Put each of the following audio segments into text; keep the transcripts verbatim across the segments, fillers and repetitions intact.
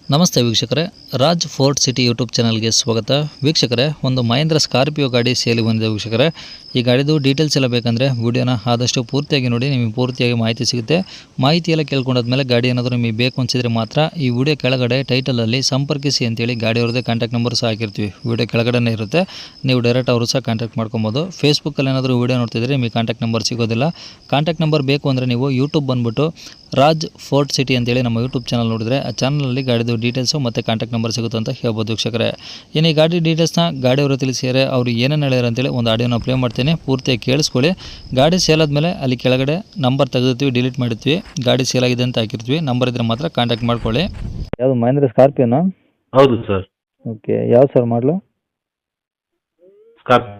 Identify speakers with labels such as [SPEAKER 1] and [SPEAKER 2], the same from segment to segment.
[SPEAKER 1] ನಮಸ್ತೆ ವೀಕ್ಷಕರೇ, Raj fort city YouTube ಚಾನಲ್ಗೆ ಸ್ವಾಗತ. ವೀಕ್ಷಕರೇ, ಒಂದು ಮಹೇಂದ್ರ ಸ್ಕಾರ್ಪಿಯೋ ಗಾಡಿ ಸೇಲಿಗೆ ಬಂದಿದೆ ವೀಕ್ಷಕರೇ. ಈ ಗಾಡಿದು ಡೀಟೇಲ್ಸ್ ಎಲ್ಲ ಬೇಕಂದರೆ ವಿಡಿಯೋನ ಆದಷ್ಟು ಪೂರ್ತಿಯಾಗಿ ನೋಡಿ, ನಿಮಗೆ ಪೂರ್ತಿಯಾಗಿ ಮಾಹಿತಿ ಸಿಗುತ್ತೆ. ಮಾಹಿತಿ ಎಲ್ಲ ಕೇಳ್ಕೊಂಡಾದ್ಮೇಲೆ ಗಾಡಿ ಏನಾದರೂ ನಿಮಗೆ ಬೇಕು ಅನಿಸಿದರೆ ಮಾತ್ರ ಈ ವಿಡಿಯೋ ಕೆಳಗಡೆ ಟೈಟಲಲ್ಲಿ ಸಂಪರ್ಕಿಸಿ ಅಂತೇಳಿ ಗಾಡಿಯವ್ರದ್ದೇ ಕಾಂಟ್ಯಾಕ್ಟ್ ನಂಬರ್ ಸಹ ಹಾಕಿರ್ತೀವಿ. ವಿಡಿಯೋ ಕೆಳಗಡೆ ಇರುತ್ತೆ, ನೀವು ಡೈರೆಕ್ಟ್ ಅವರು ಸಹ ಕಾಂಟ್ಯಾಕ್ಟ್ ಮಾಡ್ಕೊಬೋದು. ಫೇಸ್ಬುಕ್ಕಲ್ಲಿ ಏನಾದರೂ ವಿಡಿಯೋ ನೋಡ್ತಿದ್ರೆ ನಿಮಗೆ ಕಾಂಟ್ಯಾಕ್ಟ್ ನಂಬರ್ ಸಿಗೋದಿಲ್ಲ. ಕಾಂಟ್ಯಾಕ್ಟ್ ನಂಬರ್ ಬೇಕು ಅಂದರೆ ನೀವು ಯೂಟ್ಯೂಬ್ ಬಂದುಬಿಟ್ಟು ರಾಜ್ ಫೋರ್ಟ್ ಸಿಟಿ ಅಂತೇಳಿ ನಮ್ಮ ಯೂಟ್ಯೂಬ್ ಚಾನಲ್ ನೋಡಿದರೆ ಆ ಚಾನಲಲ್ಲಿ ಗಾಡಿದು ಡೀಟೇಲ್ಸು ಮತ್ತು ಕಾಂಟ್ಯಾಕ್ಟ್ ನಂಬರ್ ಸಿಗುತ್ತೆ ಅಂತ ಹೇಳ್ಬೋದು ವೀಕ್ಷಕರೇ. ಇನ್ನು ಈ ಗಾಡಿ ಡೀಟೇಲ್ಸ್ನ ಗಾಡಿಯವರು ತಿಳಿಸಿದರೆ ಅವರು ಏನೇನು ಹೇಳ್ಯಾರ ಅಂತೇಳಿ ಒಂದು ಆಡಿಯೋನ ಪ್ಲೇ ಮಾಡ್ತೀನಿ, ಪೂರ್ತಿಯಾಗಿ ಕೇಳಿಸ್ಕೊಳ್ಳಿ. ಗಾಡಿ ಸೇಲ್ ಆದಮೇಲೆ ಅಲ್ಲಿ ಕೆಳಗಡೆ ನಂಬರ್ ತೆಗೆದಿರ್ತೀವಿ, ಡಿಲೀಟ್ ಮಾಡಿರ್ತೀವಿ. ಗಾಡಿ ಸೇಲ್ ಆಗಿದೆ ಅಂತ ಹಾಕಿರ್ತೀವಿ, ನಂಬರ್ ಇದ್ದರೆ ಮಾತ್ರ ಕಾಂಟ್ಯಾಕ್ಟ್ ಮಾಡ್ಕೊಳ್ಳಿ. ಯಾವುದು ಮಹೇಂದ್ರ ಸ್ಕಾರ್ಪಿಯೋನಾ?
[SPEAKER 2] ಹೌದು ಸರ್.
[SPEAKER 1] ಓಕೆ, ಯಾವ ಸರ್ ಮಾಡಲು?
[SPEAKER 2] ಸ್ಕಾರ್ಪ್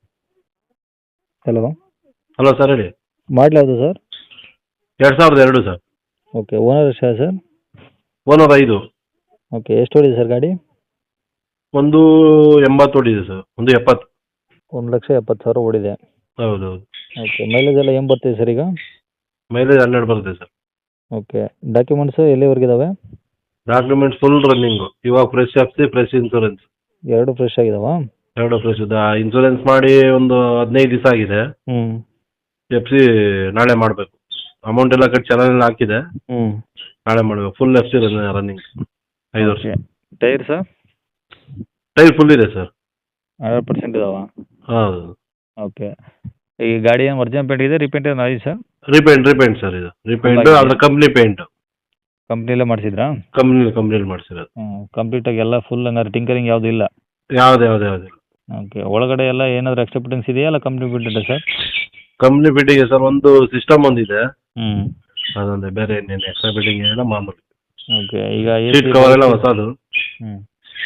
[SPEAKER 1] ಹಲೋ
[SPEAKER 2] ಹಲೋ ಸರ್, ಹೇಳಿ.
[SPEAKER 1] ಮಾಡಲು ಯಾವುದು ಸರ್?
[SPEAKER 2] ಎರಡು ಸಾವಿರದ ಎರಡು ಸರ್.
[SPEAKER 1] ಓಕೆ, ಓನರ್ ಎಷ್ಟು ಸರ್?
[SPEAKER 2] ಓನರ್ ಐದು.
[SPEAKER 1] ಓಕೆ, ಎಷ್ಟು ಹೊಡಿದೆ ಸರ್ ಗಾಡಿ?
[SPEAKER 2] ಒಂದು ಎಂಬತ್ತು ಓಡಿದೆ ಸರ್, ಒಂದು ಎಪ್ಪತ್ತು.
[SPEAKER 1] ಒಂದು ಲಕ್ಷ ಎಪ್ಪತ್ತು ಸಾವಿರ ಓಡಿದೆ.
[SPEAKER 2] ಹೌದು ಹೌದು.
[SPEAKER 1] ಓಕೆ, ಮೈಲೇಜ್ ಎಲ್ಲ ಏನು ಬರ್ತಿದೆ ಸರ್ ಈಗ?
[SPEAKER 2] ಮೈಲೇಜ್ ಹನ್ನೆರಡು ಬರುತ್ತೆ ಸರ್.
[SPEAKER 1] ಓಕೆ, ಡಾಕ್ಯುಮೆಂಟ್ಸು ಎಲ್ಲಿವರೆಗೆ ಇದಾವೆ?
[SPEAKER 2] Documents full running. ಇವಾಗ ಫ್ರೆಶ್ ಎಫ್ಸಿ, ಫ್ರೆಶ್ ಇನ್ಸೂರೆನ್ಸ್
[SPEAKER 1] ಎರಡು ಫ್ರೆಶ್ ಆಗಿದಾವ?
[SPEAKER 2] ಎರಡು ಫ್ರೆಶ್ ಇದೆ. ಇನ್ಸೂರೆನ್ಸ್ ಮಾಡಿ ಒಂದು ಹದಿನೈದು ದಿವಸ ಆಗಿದೆ.
[SPEAKER 1] ಹ್ಞೂ
[SPEAKER 2] ಎಫ್ ಸಿ ನಾಳೆ ಮಾಡಬೇಕು. ಅಮೌಂಟ್ ಎಲ್ಲ ಕಟ್ಟಿ ಚಾನಲ್ ಹಾಕಿದೆ,
[SPEAKER 1] ಹ್ಞೂ
[SPEAKER 2] ನಾಳೆ ಮಾಡಬೇಕು. ಫುಲ್ ಎಫ್ ಸಿ ರನ್ನಿಂಗ್, ಐದು ವರ್ಷ.
[SPEAKER 1] Tyre sir?
[SPEAKER 2] ಟೈರ್ ಫುಲ್ ಇದೆ ಸರ್.
[SPEAKER 1] ಅರವತ್ತು ಪರ್ಸೆಂಟ್ ಇದಾವ?
[SPEAKER 2] ಹೌದು.
[SPEAKER 1] ಓಕೆ, ಈ ಗಾಡಿ ಏನು ಒರಿಜಿನಲ್ ಪೇಂಟ್ ಇದೆ, ರೀಪೇಂಟ್ ಏನು ಆಗಿದೆ ಸರ್?
[SPEAKER 2] ರೀಪೇಂಟ್ ರೀಪೇಂಟ್ ಸರ್, ಇದು ರೀಪೇಂಟ್ ಅದ್ರ ಕಂಪ್ನಿ ಪೇಂಟ್.
[SPEAKER 1] ಕಂಪ್ನಿಲೇ ಮಾಡಿಸಿದ್ರಾ?
[SPEAKER 2] ಕಂಪ್ನಿ ಕಂಪ್ನಿಲಿ ಮಾಡಿಸಿರೋದು.
[SPEAKER 1] ಹ್ಞೂ, ಕಂಪ್ಲೀಟಾಗಿ ಎಲ್ಲ ಫುಲ್ ಹಂಗಾರೆ ಟಿಂಕರಿಂಗ್ ಯಾವುದೂ ಇಲ್ಲ?
[SPEAKER 2] ಯಾವ್ದು ಯಾವ್ದು ಯಾವುದಿಲ್ಲ.
[SPEAKER 1] ಓಕೆ, ಒಳಗಡೆ ಎಲ್ಲ ಏನಾದರೂ ಎಕ್ಸ್ಟ್ರಾ ಫಿಟ್ಟಿಂಗ್ಸ್ ಇದೆಯಾ, ಅಲ್ಲ company fitting sir?
[SPEAKER 2] Company fitting sir, ಒಂದು ಸಿಸ್ಟಮ್ ಒಂದಿದೆ,
[SPEAKER 1] ಹ್ಞೂ
[SPEAKER 2] ಅದೊಂದೇ, ಬೇರೆ ಇನ್ನೇನು ಎಕ್ಸ್ಟ್ರಾ ಫಿಟ್ಟಿಂಗ್ ಏನಿಲ್ಲ, ಮಾಮೂಲಿ.
[SPEAKER 1] ಓಕೆ, ಈಗ ಎ
[SPEAKER 2] ಸೀಟ್
[SPEAKER 1] ಸಿ
[SPEAKER 2] ಕವರ್ ಎಲ್ಲ ಹೊಸದು.
[SPEAKER 1] ಹ್ಞೂ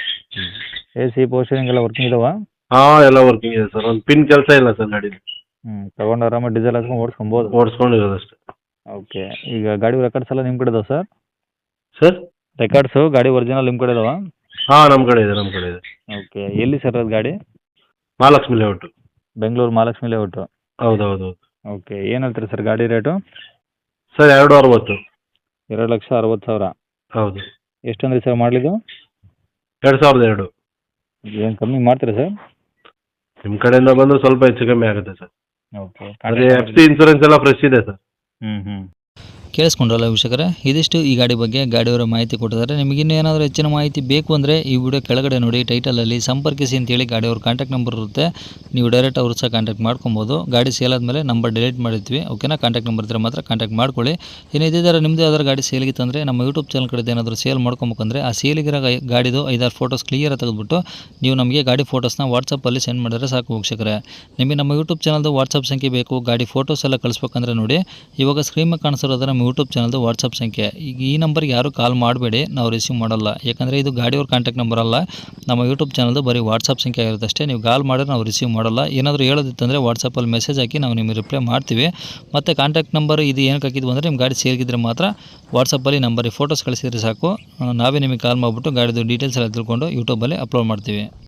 [SPEAKER 1] ಎ ಸಿ ಪೋಸ್ಟರಿಂಗ್ ಎಲ್ಲ ವರ್ಕಿಂಗ್ ಇದಾವಾ?
[SPEAKER 2] ಹಾಂ, ಎಲ್ಲ ವರ್ಕಿಂಗ್ ಇದೆ ಸರ್. ಒಂದು ಪಿನ್ ಕೆಲಸ ಇಲ್ಲ ಸರ್ ಗಾಡಿ.
[SPEAKER 1] ಹ್ಞೂ, ತೊಗೊಂಡು ಆರಾಮಾಗಿ ಡೀಸೆಲ್ ಹಾಕ್ಕೊಂಡು ಓಡಿಸ್ಕೊಬೋದು?
[SPEAKER 2] ಓಡಿಸ್ಕೊಂಡಿರೋದಷ್ಟೇ.
[SPEAKER 1] ಓಕೆ, ಈಗ ಗಾಡಿ ರೆಕಾರ್ಡ್ಸ್ ಎಲ್ಲ ನಿಮ್ಮ ಕಡೆ ಇದಾವೆ ಸರ್?
[SPEAKER 2] ಸರ್,
[SPEAKER 1] ರೆಕಾರ್ಡ್ಸು ಗಾಡಿ ಒರಿಜಿನಲ್ ನಿಮ್ಮ ಕಡೆ ಇದಾವಾ?
[SPEAKER 2] ಹಾಂ, ನಮ್ಮ ಕಡೆ ಇದೆ, ನಮ್ಮ ಕಡೆ ಇದೆ.
[SPEAKER 1] ಓಕೆ, ಎಲ್ಲಿ ಸರ್ ಅದು ಗಾಡಿ?
[SPEAKER 2] ಮಹಾಲಕ್ಷ್ಮಿ ಲೇಔಟ್.
[SPEAKER 1] ಬೆಂಗಳೂರು ಮಹಾಲಕ್ಷ್ಮಿ ಲೇಔಟು?
[SPEAKER 2] ಹೌದು ಹೌದು ಹೌದು.
[SPEAKER 1] ಓಕೆ, ಏನು ಹೇಳ್ತೀರಿ ಸರ್ ಗಾಡಿ ರೇಟು?
[SPEAKER 2] ಸರ್, ಎರಡು ಅರವತ್ತು.
[SPEAKER 1] ಎರಡು ಲಕ್ಷ ಅರವತ್ತು ಸಾವಿರ?
[SPEAKER 2] ಹೌದು.
[SPEAKER 1] ಎಷ್ಟು ಅಂದ್ರಿ ಸರ್ ಮಾಡಲಿದ್ದು?
[SPEAKER 2] ಎರಡು ಸಾವಿರದ ಎರಡು.
[SPEAKER 1] ಏನು ಕಮ್ಮಿ ಮಾಡ್ತೀರಾ ಸರ್?
[SPEAKER 2] ನಿಮ್ಮ ಕಡೆಯಿಂದ ಬಂದರೆ ಸ್ವಲ್ಪ ಹೆಚ್ಚು ಕಮ್ಮಿ ಆಗುತ್ತೆ ಸರ್.
[SPEAKER 1] ಓಕೆ,
[SPEAKER 2] ಅದೇ ಎಫ್ ಸಿ ಇನ್ಸೂರೆನ್ಸ್ ಎಲ್ಲ ಫ್ರೆಶ್ ಇದೆ ಸರ್.
[SPEAKER 1] ಹ್ಞೂ ಹ್ಞೂ ಕೇಳಿಸ್ಕೊಂಡ್ರಲ್ಲ ವೀಕ್ಷಕರೇ, ಇದಿಷ್ಟು ಈ ಗಾಡಿ ಬಗ್ಗೆ ಗಾಡಿಯವರ ಮಾಹಿತಿ ಕೊಟ್ಟಿದ್ದಾರೆ. ನಿಮಗೆ ಇನ್ನೂ ಏನಾದರೂ ಹೆಚ್ಚಿನ ಮಾಹಿತಿ ಬೇಕು ಅಂದರೆ ಈ ವಿಡಿಯೋ ಕೆಳಗಡೆ ನೋಡಿ, ಟೈಟಲಲ್ಲಿ ಸಂಪರ್ಕಿಸಿ ಅಂತೇಳಿ ಗಾಡಿಯವ್ರ ಕಾಂಟ್ಯಾಕ್ಟ್ ನಂಬರ್ ಇರುತ್ತೆ. ನೀವು ಡೈರೆಕ್ಟ್ ಅವರು ಸಹ ಕಾಂಟ್ಯಾಕ್ಟ್ ಮಾಡ್ಕೊಬೋದು. ಗಾಡಿ ಸೇಲ್ ಆದಮೇಲೆ ನಂಬರ್ ಡಿಲೀಟ್ ಮಾಡಿರ್ತೀವಿ, ಓಕೆನಾ? ಕಾಂಟ್ಯಾಕ್ಟ್ ನಂಬರ್ ಇದ್ದರೆ ಮಾತ್ರ ಕಾಂಟ್ಯಾಕ್ಟ್ ಮಾಡ್ಕೊಳ್ಳಿ. ಇನ್ನು ಇದೇ ಥರ ನಿಮ್ಮದು ಯಾವ್ದಾದ್ರು ಗಾಡಿ ಸೇಲಿಗಿತ್ತು ಅಂದರೆ ನಮ್ಮ ಯೂಟ್ಯೂಬ್ ಚಾನಲ್ ಕಡೆ ಏನಾದರೂ ಸೇಲ್ ಮಾಡ್ಕೊಬೇಕಂದ್ರೆ ಆ ಸೇಲಿಗಿರೋ ಗಾಡಿದು ಐದಾರು ಫೋಟೋಸ್ ಕ್ಲಿಯರಾಗಿ ತೆಗೆದುಬಿಟ್ಟು ನೀವು ನಮಗೆ ಗಾಡಿ ಫೋಟೋಸ್ನ ವಾಟ್ಸಪ್ಪಲ್ಲಿ ಸೆಂಡ್ ಮಾಡಿದ್ರೆ ಸಾಕು ವೀಕ್ಷಕರೇ. ನಿಮಗೆ ನಮ್ಮ ಯೂಟ್ಯೂಬ್ ಚಾನಲ್ದು ವಾಟ್ಸಪ್ ಸಂಖ್ಯೆ ಬೇಕು, ಗಾಡಿ ಫೋಟೋಸ್ ಎಲ್ಲ ಕಳಿಸ್ಬೇಕಂದ್ರೆ ನೋಡಿ, ಇವಾಗ ಸ್ಕ್ರೀನ್ ಮೇಲೆ ಕಾಣಿಸಿರೋದು ನಮ್ಮ ಯೂಟ್ಯೂಬ್ ಚಾನಲ್ದು ವಾಟ್ಸಪ್ ಸಂಖ್ಯೆ. ಈಗ ಈ ನಂಬರ್ಗೆ ಯಾರು ಕಾಲ್ ಮಾಡಬೇಡಿ, ನಾವು ರಿಸೀವ್ ಮಾಡಲ್ಲ. ಯಾಕಂದರೆ ಇದು ಗಾಡಿಯವ್ರ ಕಾಂಟ್ಯಾಕ್ಟ್ ನಂಬರ್ ಅಲ್ಲ, ನಮ್ಮ ಯೂಟ್ಯೂಬ್ ಚಾನಲ್ದು ಬರೀ ವಾಟ್ಸಪ್ ಸಂಖ್ಯೆ ಆಗಿರುತ್ತೆ ಅಷ್ಟೇ. ನೀವು ಕಾಲ್ ಮಾಡಿದ್ರೆ ನಾವು ರಿಸೀವ್ ಮಾಡಲ್ಲ. ಏನಾದರೂ ಹೇಳೋದಿತ್ತಂದರೆ ವಾಟ್ಸಪ್ಪಲ್ಲಿ ಮೆಸೇಜ್ ಹಾಕಿ ನಾವು ನಿಮಗೆ ರಿಪ್ಲೈ ಮಾಡ್ತೀವಿ. ಮತ್ತು ಕಾಂಟ್ಯಾಕ್ಟ್ ನಂಬರ್ ಇದು ಏನಕ್ಕೆ ಹಾಕಿದ್ವು ಅಂದರೆ ನಿಮ್ಮ ಗಾಡಿ ಸೇರಿಗಿದ್ರೆ ಮಾತ್ರ ವಾಟ್ಸಪ್ಪಲ್ಲಿ ನಂಬರಿಗೆ ಫೋಟೋಸ್ ಕಳಿಸಿದ್ರೆ ಸಾಕು, ನಾವೇ ನಿಮಗೆ ಕಾಲ್ ಮಾಡಿಬಿಟ್ಟು ಗಾಡಿದು ಡೀಟೇಲ್ಸ್ ಎಲ್ಲ ತಿಳ್ಕೊಂಡು ಯೂಟ್ಯೂಬಲ್ಲಿ ಅಪ್ಲೋಡ್ ಮಾಡ್ತೀವಿ.